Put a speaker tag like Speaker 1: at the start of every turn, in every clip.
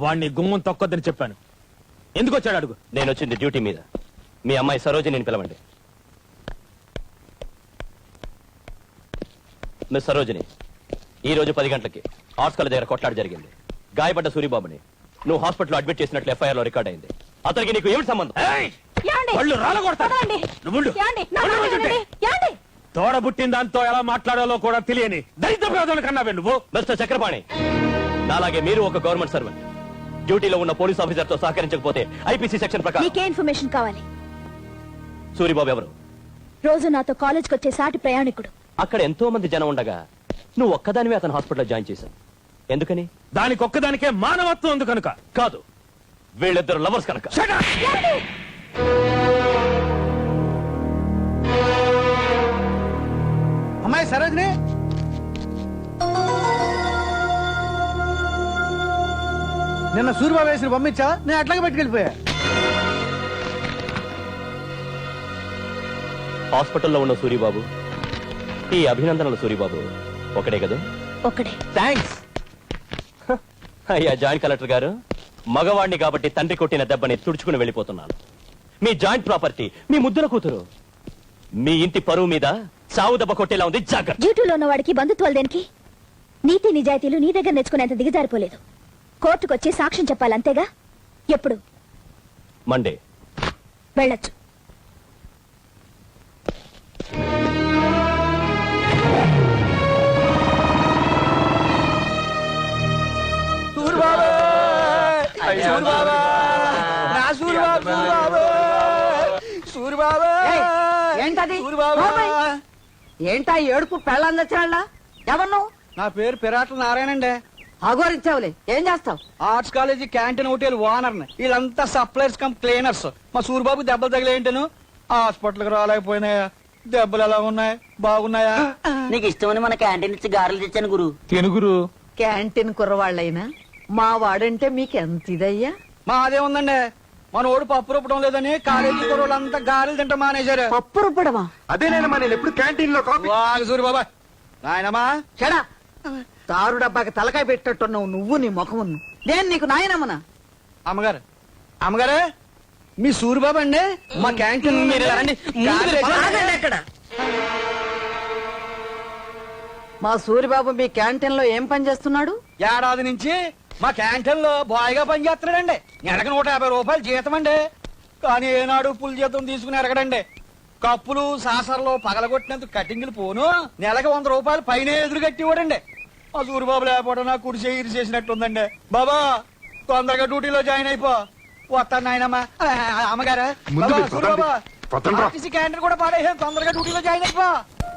Speaker 1: వాడిని గుమ్మం తొక్కొద్దని చెప్పాను. ఎందుకు వచ్చాడు అడుగు.
Speaker 2: నేను వచ్చింది డ్యూటీ మీద. మీ అమ్మాయి సరోజిని పిలవండి. మిస్ సరోజిని, ఈ రోజు 10 గంటలకి ఆర్ట్స్ కాలేజ్ దగ్గర కొట్లాట జరిగింది. గాయపడ్డ సూరిబాబుని నువ్వు హాస్పిటల్లో అడ్మిట్ చేసినట్లు ఎఫ్ఐఆర్ లో రికార్డ్ అయింది. అతనికి నీకు ఏమిటి సంబంధం?
Speaker 1: తోడబుట్టిన దాంతో ఎలా మాట్లాడాలో కూడా తెలియని దరిద్ర ప్రజలు కన్నావే నువ్వు.
Speaker 2: మిస్టర్ చక్రపాణి, నాలాగే మీరు ఒక గవర్నమెంట్ సర్వెంట్. డ్యూటీలో ఉన్న పోలీస్ ఆఫీసర్ తో సహకరించకపోతే ఐపీసీ సెక్షన్ ప్రకారం.
Speaker 3: నీకే ఇన్ఫర్మేషన్ కావాలి?
Speaker 2: సూరిబాబు ఎవరు?
Speaker 3: రోజు నాతో కాలేజ్కి వచ్చే సాటి ప్రయాణికుడు.
Speaker 2: అక్కడ ఎంతో మంది జనం ఉండగా నువ్వు ఒక్కదానివే అతను హాస్పిటల్లో జాయిన్ చేశావు. ఎందుకని?
Speaker 1: దానికి ఒక్కదానికే మానవత్వం ఉంది కనుక.
Speaker 2: కాదు, వీళ్ళిద్దరు లవర్స్ కనుక.
Speaker 4: అమ్మాయి సరోజిని, నిన్న సూర్యబాబు వేసిన పంపించా, నేను అట్లాగే పెట్టుకెళ్ళిపోయా.
Speaker 2: హాస్పిటల్లో ఉన్న సూరిబాబు, ఈ అభినందనలు సూరిబాబు ఒకడే కదా?
Speaker 3: ఒకడే.
Speaker 2: థ్యాంక్స్. అయ్యా జాయింట్ కలెక్టర్ గారు, మగవాణ్ణి కాబట్టి తండ్రి కొట్టిన దెబ్బని తుడుచుకుని వెళ్ళిపోతున్నాను. మీ జాయింట్ ప్రాపర్టీ, మీ ముద్దుల కూతురు, మీ ఇంటి పరువు మీద చావు దెబ్బ కొట్టేలా ఉంది. జాగ్రత్త.
Speaker 3: డ్యూటీలో ఉన్న వాడికి బంధుత్వాలు దేనికి? నీతి నిజాయితీలు నీ దగ్గర నేర్చుకునేంత దిగజారిపోలేదు. కోర్టుకొచ్చి సాక్ష్యం చెప్పాలంతేగా. ఎప్పుడు?
Speaker 2: మండే
Speaker 3: వెళ్ళొచ్చు.
Speaker 5: ఏంటా ఏడుపు పెళ్ళని తెచ్చినా? ఎవరు?
Speaker 4: నా పేరు పిరాట్ల నారాయణండి.
Speaker 5: అగోరించావులే, ఏం చేస్తావు?
Speaker 4: Arts college canteen hotel owner. వీళ్ళంతా సప్లైర్స్ కమ్ క్లీనర్స్. మా సూరిబాబు దెబ్బలు తగిలేంటను హాస్పిటల్కి రాలేకపోయినాయా? దెబ్బలు ఎలా ఉన్నాయి? బాగున్నాయా?
Speaker 5: నీకు ఇష్టమని మన క్యాంటీన్ ఇచ్చి గారెలు తెచ్చాను గురు.
Speaker 4: తెనుగురు
Speaker 5: క్యాంటీన్ కుర్రవాళ్ళైనా మా వాడంటే మీకెంత ఇదయ్యా?
Speaker 4: మాదే ఉందండి. మన ఓడు పప్పు రుబ్బడం లేదని కాలేజీ కుర్రోళ్ళంతా గారెలు తింటా మానేశారు.
Speaker 5: పప్పు రుబ్బడమా?
Speaker 6: అదేనేనమ్మా, నేను ఎప్పుడు క్యాంటీన్ లో కాఫీ.
Speaker 4: సూరిబాబా నాయనమ్మా,
Speaker 5: చెడా తారు డబ్బాకి తలకాయ పెట్టట్టున్నావు నువ్వు, నీ ముఖం. నేను నీకు నాయనమ్మనా?
Speaker 4: అమ్మగారు, అమ్మగారే, మీ సూరిబాబు అండి మా క్యాంటీన్.
Speaker 5: ఎక్కడ మా సూరిబాబు మీ క్యాంటీన్ లో ఏం పని చేస్తున్నాడు?
Speaker 4: ఏడాది నుంచి మా క్యాంటీన్ లో బాయ్ గా పనిచేస్తున్నాడండి. నెలకు 150 రూపాయలు జీతం అండి. కానీ ఏనాడు పుల్ జీతం తీసుకుని ఎరగడండి. కప్పులు సాసర్లో పగలగొట్టినందుకు కటింగ్లు పోను నెలకు 100 రూపాయలు పైన ఎదురు కట్టివాడండి. మా సూరిబాబు లేకపోవడం నాకు కుడిసే ఇరి చేసినట్టుందండి. బాబా తొందరగా డ్యూటీలో జాయిన్ అయిపో. వస్తాను నాయనమ్మా. అమ్మగారా, సూరిబాబా ఆర్టీసీ క్యాంటీన్ కూడా పాడేసాను. తొందరగా డ్యూటీలో జాయిన్ అయిపో.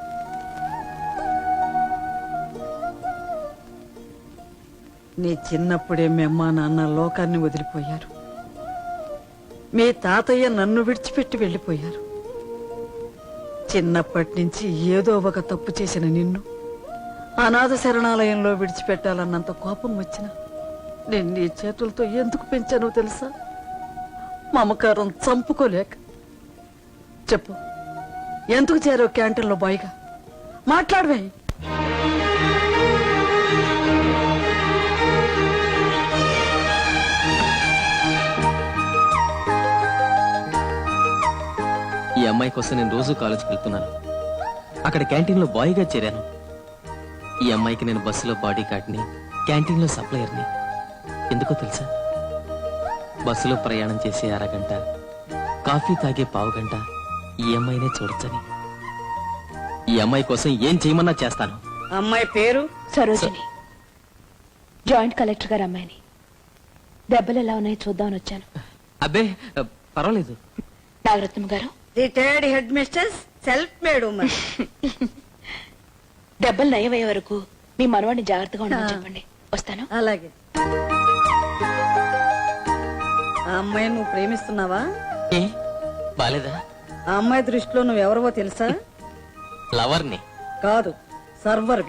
Speaker 5: నీ చిన్నప్పుడే మీ అమ్మా నాన్న లోకాన్ని వదిలిపోయారు. మీ తాతయ్య నన్ను విడిచిపెట్టి వెళ్ళిపోయారు. చిన్నప్పటి నుంచి ఏదో ఒక తప్పు చేసిన నిన్ను అనాథ శరణాలయంలో విడిచిపెట్టాలన్నంత కోపం వచ్చిన నేను నీ చేతులతో ఎందుకు పెంచానో తెలుసా? మమకారం చంపుకోలేక. చెప్పు, ఎందుకు చేరావు క్యాంటీన్లో బాయ్గా? మాట్లాడవే.
Speaker 7: ఈ అమ్మాయి కోసం నేను రోజు కాలేజ్కి వెళ్తున్నాను. అక్కడ క్యాంటీన్లో బాయ్గా చేరాను. ఈ అమ్మాయికి నేను బస్సులో బాడీ గార్డ్ని, క్యాంటీన్లో సప్లయర్ని. ఎందుకో తెలుసా? బస్సులో ప్రయాణం చేసే అరగంట, కాఫీ తాగే పావుగంట ఈ అమ్మాయినే చూడొచ్చని. ఈ అమ్మాయి కోసం ఏం చేయమన్నా చేస్తాను.
Speaker 5: అమ్మాయి పేరు
Speaker 3: సరోజిని. జాయింట్ కలెక్టర్ గారు అమ్మాయిని. దెబ్బలు ఎలా ఉన్నాయో చూద్దామని వచ్చాను.
Speaker 7: అబ్బే పర్వాలేదు.
Speaker 3: నాగరత్నం గారు,
Speaker 5: retired head mistress, self made women.
Speaker 3: దెబ్బలు నయమయ్యే వరకు మీ మనవాడిని జాగ్రత్తగా ఉండమని చెప్పండి. వస్తాను.
Speaker 5: అలాగే. ఆ అమ్మాయిని నువ్వు ప్రేమిస్తున్నావా?
Speaker 7: ఏ బాలేదా?
Speaker 5: ఆ అమ్మాయి దృష్టిలో నువ్వెవరవో తెలుసా?
Speaker 7: లవర్ని
Speaker 5: కాదు, సర్వర్.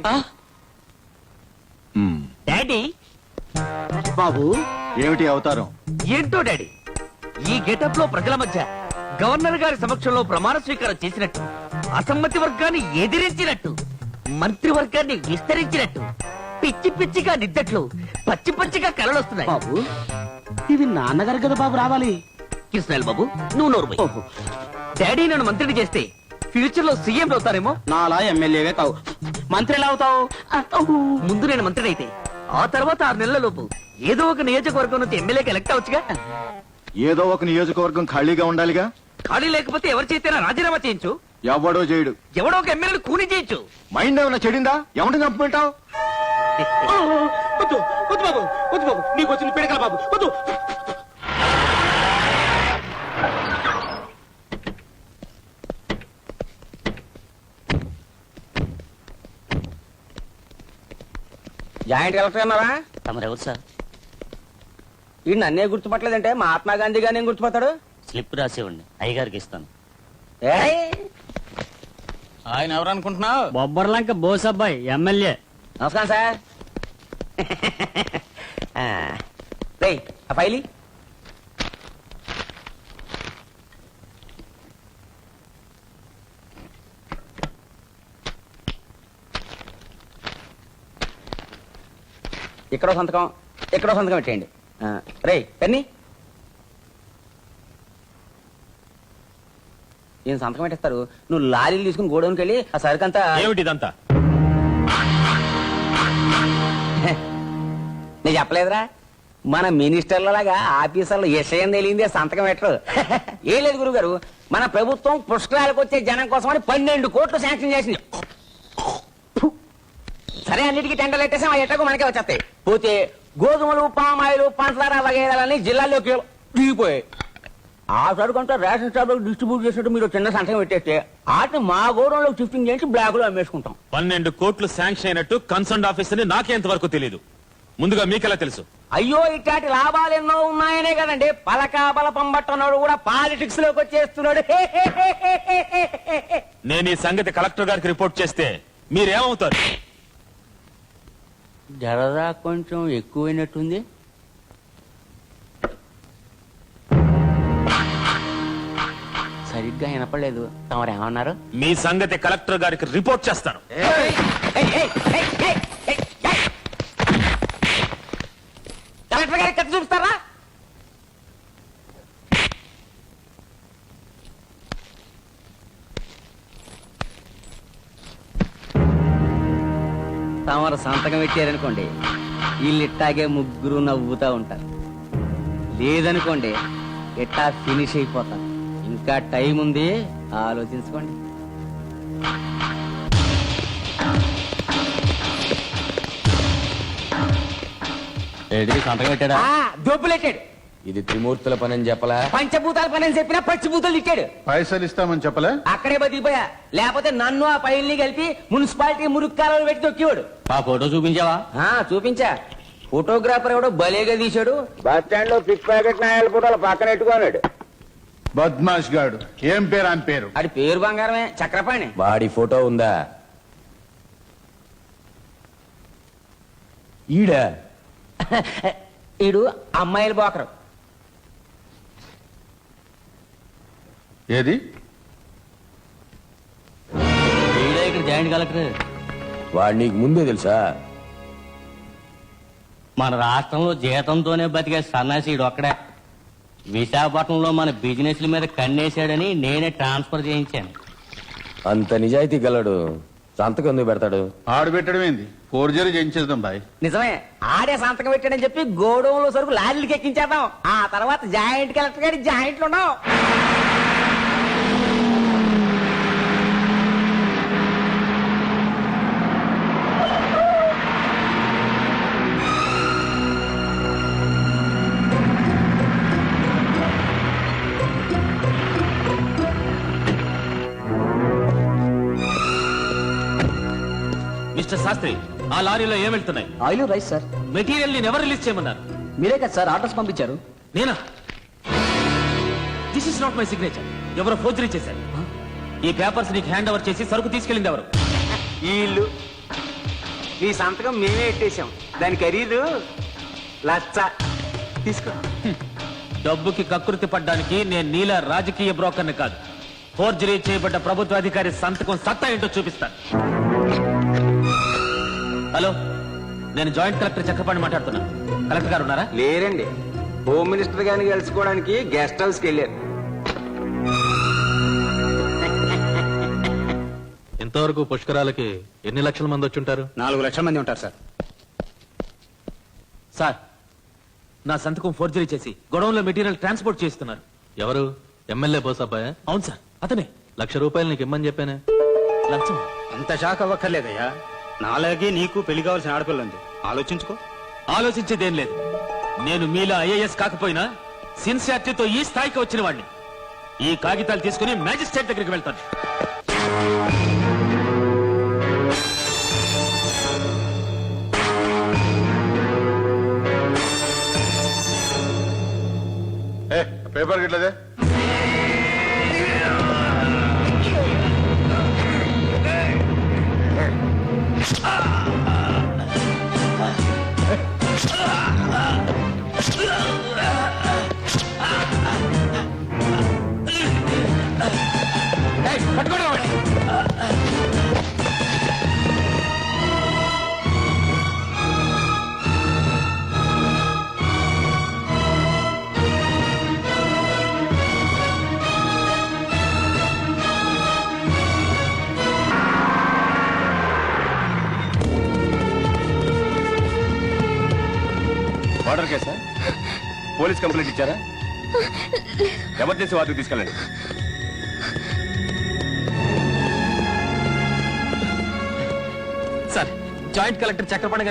Speaker 8: డాడీ.
Speaker 6: బాబు ఏమిటి అవతారం?
Speaker 8: ఏంటో డాడీ, ఈ గెటప్ లో ప్రజల మధ్య గవర్నర్ గారి సమక్షంలో ప్రమాణ స్వీకారం చేసినట్టు, అసమ్మతి వర్గాన్ని ఎదిరించినట్టు, మంత్రివర్గాన్ని విస్తరించినట్టు పిచ్చి పిచ్చిగా నిద్దట్లు పచ్చి పచ్చిగా కలలు వస్తున్నాయి.
Speaker 9: బాబు ఇది నాన్నగారు కదా బాబు రావాలి.
Speaker 8: కృష్ణాల్ బాబు నువ్వు నోరు డాడీ నన్ను మంత్రిని చేస్తే ఫ్యూచర్ లో సీఎం అవుతారేమో.
Speaker 9: నాలా ఎమ్మెల్యేవే కావు, మంత్రి ఎలా అవుతావు?
Speaker 8: ముందు నేను మంత్రిని అయితే ఆ తర్వాత 6 నెలల లోపు ఏదో ఒక నియోజకవర్గం నుంచి ఎమ్మెల్యేకి ఎలక్ట్ అవచ్చుగా.
Speaker 6: ఏదో ఒక నియోజకవర్గం ఖాళీగా ఉండాలిగా.
Speaker 8: ఖాళీ లేకపోతే ఎవరి చేతైనా రాజీనామా చేయించు.
Speaker 6: ఎవడో చేయడు.
Speaker 8: ఎవడో ఒక ఎమ్మెల్యేని కూని చేయించు.
Speaker 6: మైండ్ ఏమైనా చెడిందా? ఎవరిని చంపుకుంటావు?
Speaker 9: వద్దు వద్దు బాబు, వద్దు బాబు, నీకు వచ్చిన పిడకల బాబు, వద్దు.
Speaker 4: జాయింట్ కలెక్టర్ అన్నారా?
Speaker 9: తమరెవరు సార్?
Speaker 4: ఈ నన్నే గుర్తుపట్టలేదంటే మహాత్మా గాంధీ గారిని గుర్తుపడతాడు.
Speaker 9: స్లిప్ రాసివ్వండి, అయ్యగారికి ఇస్తాను.
Speaker 4: ఆయన ఎవరు అనుకుంటున్నావు?
Speaker 9: బొబ్బర్లంక బోస్ అబ్బాయి, ఎమ్మెల్యే.
Speaker 4: నమస్కారం సార్. రేయ్, ఆ ఫైలి ఇక్కడో సంతకం, ఇక్కడో సంతకం పెట్టేయండి. రేయ్ పెన్ని, ఈయన సంతకం పెట్టేస్తారు. నువ్వు లారీలు తీసుకుని గోడౌన్కి వెళ్ళి ఆ సరుకంతా.
Speaker 1: ఏమిటి ఇదంతా?
Speaker 4: నేను చెప్పలేదురా, మన మినిస్టర్లలాగా ఆఫీసర్లు విషయం తెలియందే సంతకం పెట్టరు. ఏం లేదు గురువు గారు, మన ప్రభుత్వం పుష్కరాలకు వచ్చే జనం కోసమని 12 కోట్లు శాంక్షన్ చేసింది. సరే, అన్నిటికీ టెండర్లు పెట్టేసాం, ఆ ఎట్టకు మనకే వచ్చేస్తాయి. పోతే గోధుమలు, పామాయిలు, పంచదార వగైరాలని జిల్లాల్లోకి దిగిపోయాయి. ఆ సరుకంతా రేషన్ షాప్ లో డిస్ట్రిబ్యూట్ చేసినట్టు మీరు చిన్న సంతకం పెట్టేస్తే వాటిని మా గోడంలో షిఫ్టింగ్ చేసి బ్లాక్ లో అమ్మేసుకుంటాం.
Speaker 1: 12 కోట్లు శాంక్షన్ అయినట్టు కన్సర్న్ ఆఫీసర్ నాకెంతవరకు తెలియదు. ముందుగా మీకెలా తెలుసు?
Speaker 4: అయ్యో, ఇట్లాంటి లాభాలు ఎన్నో ఉన్నాయనే కదండి పలకా బలపం పట్టనోడు కూడా పాలిటిక్స్ లోకి వచ్చేస్తున్నాడు.
Speaker 1: నేను ఈ సంగతి కలెక్టర్ గారికి రిపోర్ట్ చేస్తే మీరేమవుతారు?
Speaker 4: జరదా కొంచెం ఎక్కువైనట్టుంది. సరిగ్గా వినపడలేదు. తమరేమన్నారు?
Speaker 1: మీ సంగతి కలెక్టర్ గారికి రిపోర్ట్ చేస్తాను.
Speaker 4: కలెక్టర్ గారికి కత్తి చూపిస్తారా? తమరు సంతకం పెట్టారనుకోండి, వీళ్ళు ఇట్టాగే ముగ్గురు నవ్వుతా ఉంటారు. లేదనుకోండి, ఇట్టా ఫినిష్ అయిపోతారు. ఇంకా టైం ఉంది, ఆలోచించుకోండి.
Speaker 9: సంతకం పెట్టాడా?
Speaker 4: దొబ్బులెట్టాడు.
Speaker 6: ఇది త్రిమూర్తుల పని అని చెప్పలా?
Speaker 4: పంచభూతాల పని అని చెప్పినా పచ్చిభూతాలు ఇచ్చాడు.
Speaker 6: పైసలు ఇస్తామని చెప్పలే?
Speaker 4: అక్కడే బతికిపోయా. లేకపోతే నన్ను ఆ పైల్ని కలిపి మున్సిపాలిటీ మురుక్కాలలో పెట్టి తొక్కివాడు.
Speaker 9: ఆ ఫోటో చూపించావా?
Speaker 4: చూపించా. ఫోటోగ్రాఫర్ ఎవడో భలేగా తీశాడు. బస్ స్టాండ్ లో పిక్ ప్యాకెట్ నాయాల ఫోటోలు పక్కన పెట్టుకున్నాడు.
Speaker 6: బద్మాష్ గాడు. ఏం పేరు అని పేరు?
Speaker 4: అది పేరు బంగారమే, చక్రపాణి.
Speaker 6: వాడి ఫోటో ఉందా? ఈడా?
Speaker 4: ఈడు అమ్మాయిల బోకరు.
Speaker 6: ఏది?
Speaker 9: ఇక్కడ జాయింట్ కలెక్టర్.
Speaker 6: వాడు నీకు ముందే తెలుసా?
Speaker 9: మన రాష్ట్రంలో జీతంతోనే బతికే సన్నాసీడు ఒక్కడే. విశాఖపట్నంలో మన బిజినెస్ల మీద కన్నేశాడని నేనే ట్రాన్స్ఫర్ చేయించాను.
Speaker 6: అంత నిజాయితీ గలడు సంతకం ఎందుకు పెడతాడు?
Speaker 10: ఆడు పెట్టడం ఏంది? ఫోర్జరీ చేయించేద్దాం బాయ్.
Speaker 4: నిజమే, ఆడే సంతకం పెట్టాడని చెప్పి గోడౌన్లో సరుకు లారీలకి ఎక్కించేద్దాం. ఆ తర్వాత జాయింట్ కలెక్టర్ గారి జాయింట్లు ఉన్నాం.
Speaker 1: మిస్టర్ శాస్త్రి, ఆ లారీలో ఏం వెళ్తున్నాయి?
Speaker 9: Oil rice sir.
Speaker 1: మెటీరియల్ ని ఎవరు రిలీజ్ చేయమన్నారు?
Speaker 9: మీరే కదా సార్ ఆర్డర్స్ పంపించారు.
Speaker 1: నేనా? This is not my signature. ఎవరో ఫోర్జరీ చేశారు. ఈ పేపర్స్ నీకు హ్యాండ్ ఓవర్ చేసి సరుకు తీసుకెళ్ళింది ఎవరు?
Speaker 4: వీళ్ళు. నీ సంతకం మేమే పెట్టేశాం. దాని ఖరీదు 1,00,000. తీసుకో.
Speaker 1: డబ్బుకి కకృతి పడ్డానికి నేను నీలా రాజకీయ బ్రోకర్ని కాదు. ఫోర్జరీ చేయబడ్డ ప్రభుత్వ అధికారి సంతకం సత్తా ఏంటో చూపిస్తాను. హలో, నేను జాయింట్ కలెక్టర్ చక్రపాణి మాట్లాడుతున్నా. కలెక్టర్ గారు ఉన్నారా?
Speaker 11: లేరండి, హోమ్ మినిస్టర్ గారిని కలుసుకోవడానికి గెస్ట్ హౌస్కి వెళ్ళారు.
Speaker 12: ఇంతవరకు పుష్కరాలకి ఎన్ని లక్షల మంది వచ్చుంటారు?
Speaker 4: 4 లక్షల మంది ఉంటారు సార్.
Speaker 1: సార్, నా సంతకం ఫోర్జరీ చేసి గొడవంలో మెటీరియల్ ట్రాన్స్పోర్ట్ చేస్తున్నారు.
Speaker 12: ఎవరు? ఎమ్మెల్యే బోసబ్బాయ్?
Speaker 1: అవును సార్, అతనే.
Speaker 12: ₹1,00,000 నీకు ఇమ్మని చెప్పానే.
Speaker 1: లంచం?
Speaker 4: అంత షాక్ అవ్వక్కర్లేదయ్యా, నాలాగే నీకు పెళ్లి కావాల్సిన ఆడపిల్ల ఉంది, ఆలోచించుకో.
Speaker 1: ఆలోచించేదేం లేదు. నేను మీలా ఐఏఎస్ కాకపోయినా సిన్సియారిటీతో ఈ స్థాయికి వచ్చిన వాడిని. ఈ కాగితాలు తీసుకుని మ్యాజిస్ట్రేట్ దగ్గరికి వెళ్తాను.
Speaker 10: పేపర్ గిట్లదే.
Speaker 6: మర్డర్ కేసా? పోలీస్ కంప్లైంట్ ఇచ్చారా? ఎమర్జెన్సీ వార్డుకి తీసుకెళ్ళండి.
Speaker 1: సార్, జాయింట్ కలెక్టర్ చక్రపాణి గారు